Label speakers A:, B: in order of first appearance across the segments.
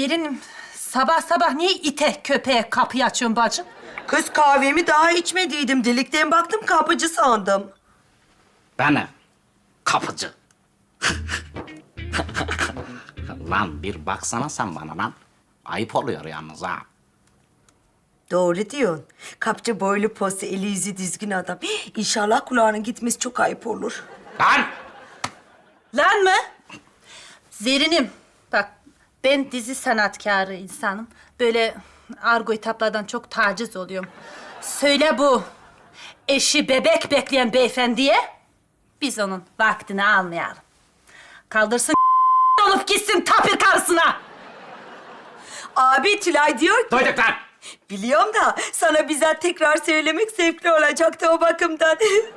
A: Zerrin, sabah sabah niye ite köpeğe kapıyı açıyorsun bacım?
B: Kız kahvemi daha içmediydim. Delikten baktım kapıcı sandım.
C: Beni kapıcı. Lan bir baksana sen bana lan. Ayıp oluyor yalnız ha.
B: Doğru diyorsun. Kapıcı boylu postu, eli yüzü düzgün adam. İnşallah kulağının gitmesi çok ayıp olur.
C: Lan!
A: Lan mı? Zerrin'im, bak ben dizi sanatkarı insanım. Böyle argo hitaplardan çok taciz oluyorum. Söyle bu eşi bebek bekleyen beyefendiye biz onun vaktini almayalım. Kaldırsın olup gitsin tapir karısına.
B: Abi Tülay diyor ki...
C: Duyduk lan!
B: Biliyorum da sana bizzat tekrar söylemek zevkli olacaktı o bakımdan.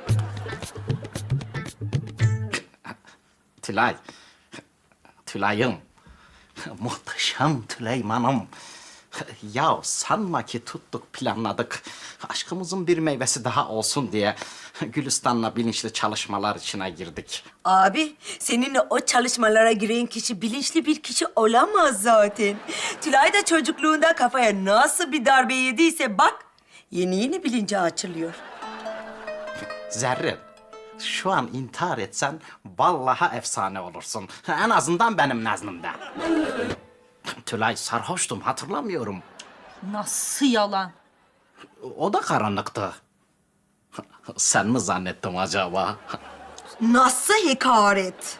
C: Tülay. Tülay'ım. Muhteşem Tüleyman'ım. Ya sanma ki tuttuk, planladık. Aşkımızın bir meyvesi daha olsun diye Gülistan'la bilinçli çalışmalar içine girdik.
B: Abi, seninle o çalışmalara giren kişi bilinçli bir kişi olamaz zaten. Tülay da çocukluğunda kafaya nasıl bir darbe yediyse bak, yeni bilince açılıyor.
C: Zerrin, şu an intihar etsen vallahi efsane olursun. En azından benim nezdimde. Tülay sarhoştum, hatırlamıyorum.
A: Nasıl yalan?
C: O da karanlıktı. Sen mi zannettim acaba?
B: Nasıl hakaret?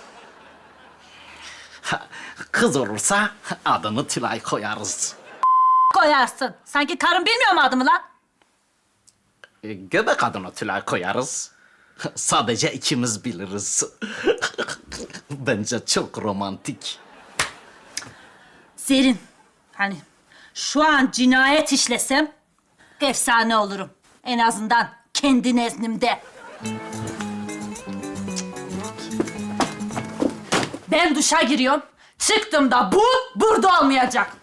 C: Kız olursa adını Tülay koyarız.
A: Koyarsın. Sanki karın bilmiyor mu adımı lan?
C: Göbek adını Tülay koyarız. Sadece ikimiz biliriz. Bence çok romantik.
A: Zerrin, hani şu an cinayet işlesem efsane olurum. En azından kendi nezdimde. Ben duşa giriyorum. Çıktığımda bu burada olmayacak.